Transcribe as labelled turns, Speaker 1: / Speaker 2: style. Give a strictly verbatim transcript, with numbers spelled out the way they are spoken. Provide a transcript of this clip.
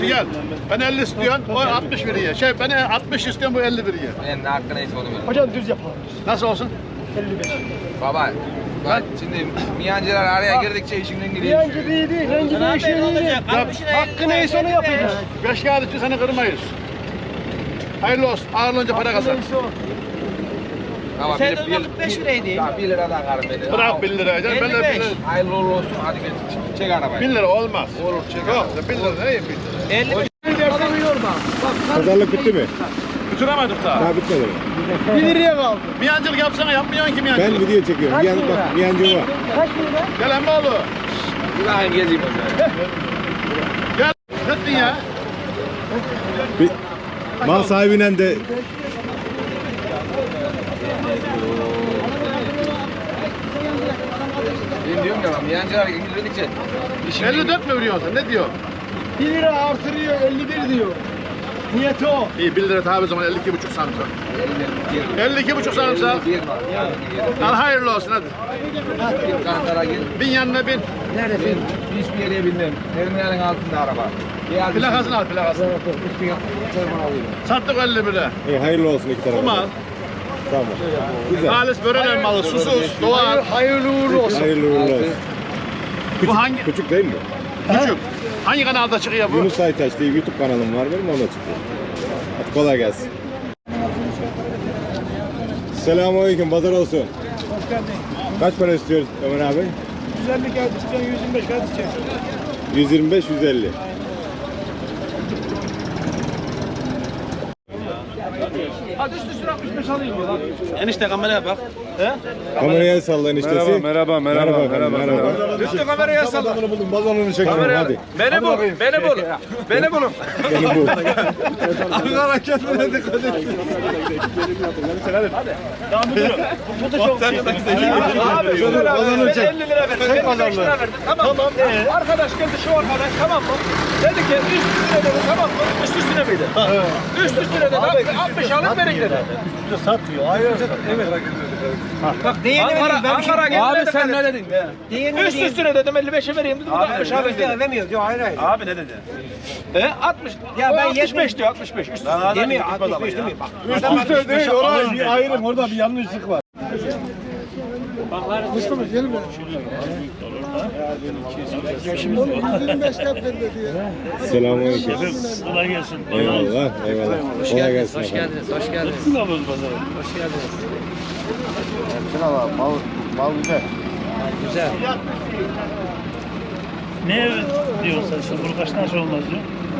Speaker 1: Gel. Ben elli istiyorum, o altmış veriyor. Şey ben altmış istiyorum, bu elli veriyor.
Speaker 2: Ben ne hakkı neyse onu veririm.
Speaker 3: Hocam düz yapalım.
Speaker 1: Nasıl olsun?
Speaker 3: elli beş.
Speaker 2: Baba, bak şimdi miyancılar araya girdikçe işinden gidiyor.
Speaker 3: Miyancı değil değil, rengi değişiyor değil. Hakkı neyse onu yapacağız.
Speaker 1: Beş kağıt için seni kırmayız. Hayırlı olsun. Ağırlığınca para kazan.
Speaker 2: Ama
Speaker 4: Sen
Speaker 2: bir,
Speaker 4: de kırk beş liraydı.
Speaker 2: Ya bir liradan karım beni.
Speaker 1: Bırak bin lira. Ben de bin lira.
Speaker 2: Hayırlı uğurlu olsun. Hadi gel çek arabayı.
Speaker 1: Bin lira olmaz.
Speaker 2: Olur çek
Speaker 1: Yok,
Speaker 2: arabayı.
Speaker 1: bin lira değil bin lira.
Speaker 4: elli beş.
Speaker 5: Pazarlık bitti mi?
Speaker 1: Bitiremedik daha.
Speaker 5: Daha bitmedi mi?
Speaker 3: bir liraya kaldı.
Speaker 1: Miyancılık yapsana, yapmıyorsun ki miyancılık.
Speaker 5: Ben video çekiyorum.
Speaker 3: Kaç
Speaker 5: Miyan,
Speaker 3: lira?
Speaker 5: bak miyancı var.
Speaker 3: Kaç lira?
Speaker 1: Gel Emmoğlu.
Speaker 2: Bir daha gezeyim o zaman.
Speaker 1: Gel. Ne ettin ya?
Speaker 5: Bir, mal sahibiyle de
Speaker 2: Ben diyorum ya miyancılar girdikçe işin
Speaker 1: elli dört mü veriyorsun sen? Ne diyor?
Speaker 3: bir lira artırıyor, elli bir diyor. Niyeti o.
Speaker 1: İyi, bin lira tabi zaman elli iki buçuk sarımsak. elli iki buçuk sarımsak.
Speaker 2: bir var. Yani
Speaker 1: Al hayırlı olsun hadi.
Speaker 2: bir kantara gel.
Speaker 1: Bin yanına bin.
Speaker 2: Ben hiçbir yere binmem. Terminalin altında araba. Beyaz
Speaker 1: Plakasını al plakasını.
Speaker 2: Üstüne terminal alayım.
Speaker 1: Sattık elli bire.
Speaker 5: iyi, hayırlı olsun iki
Speaker 1: Bu
Speaker 5: tarafa.
Speaker 1: mal.
Speaker 5: Tamam. Güzel.
Speaker 1: Halis böreler malı, susuz, doğal.
Speaker 3: Hayırlı uğurlu olsun.
Speaker 5: Hayırlı uğurlu olsun.
Speaker 1: Bu hangi?
Speaker 5: Küçük değil mi?
Speaker 1: Küçük. Hangi kanalda çıkıyor bu?
Speaker 5: Yunus Aytaç diye YouTube kanalım var benim, ona çıkıyor. Hadi kolay gelsin. Selamünaleyküm, pazar olsun.
Speaker 3: Hoş geldin.
Speaker 5: Kaç para istiyoruz Ömer abi?
Speaker 3: yüz elli kağıt istiyorsun, yüz yirmi beş kağıt istiyorsun.
Speaker 5: yüz yirmi beş yüz elli.
Speaker 3: Hadi üst üstüne altmış beş alayım diyor lan.
Speaker 1: Enişte kameraya bak.
Speaker 5: Kameraya el sallayın iştesi.
Speaker 6: Merhaba, merhaba, merhaba, merhaba.
Speaker 1: Lütfen kameraya salla.
Speaker 5: Bunu buldum, balonunu çekiyorum hadi.
Speaker 1: Beni bul, beni bul. Beni bulun.
Speaker 5: Beni bu.
Speaker 1: Ankara kendine dikkat et.
Speaker 3: Tamam müdürüm. Bu da çok
Speaker 1: Sen de Abi
Speaker 3: Şöyle
Speaker 1: balonu
Speaker 3: ver,
Speaker 1: çek.
Speaker 3: elli lira ver.
Speaker 1: Çek pazarlığı.
Speaker 3: Tamam. Tamam. Ee?
Speaker 1: Arkadaş geldi şu arkadaş, tamam mı? Dedi ki üst üstüne dedi, tamam mı? Üst üstüne miydi? Üst üstüne dedi. altmış alın verin dedi.
Speaker 3: Üstüne satmıyor. Hayır. Evet.
Speaker 4: Bak değerini
Speaker 1: Ankara,
Speaker 4: vereyim ben bir şey.
Speaker 1: Ankara geldi. Abi sen ne dedin?
Speaker 4: Değerini
Speaker 1: Üst
Speaker 4: vereyim.
Speaker 1: üstüne dedim elli beşe vereyim dedim. altmış alın dedi.
Speaker 4: Vermiyor diyor hayır hayır.
Speaker 1: Abi ne dedi? E altmış.
Speaker 4: Ya
Speaker 1: O
Speaker 4: ben
Speaker 1: altmış beş
Speaker 4: yetmiş
Speaker 1: diyor, altmış beş. Üst
Speaker 4: Demiyor altmış beş demiyor. Bak.
Speaker 3: Üst üste değil. Orada bir ayrım. Orada bir yanlışlık var. Mustafa gelin benim.
Speaker 5: Selamünaleyküm.
Speaker 6: Kolay gelsin.
Speaker 5: Eyvallah, eyvallah. Kolay gelsin.
Speaker 4: Hoş
Speaker 5: efendim.
Speaker 4: geldiniz. Hoş geldiniz.
Speaker 6: Kim alıyoruz pazara?
Speaker 4: Hoş geldiniz.
Speaker 5: Mal, mal güzel.
Speaker 4: Güzel.
Speaker 6: Ne diyorsun sen? Şimdi bunu kaçtan sonra olmaz diyor?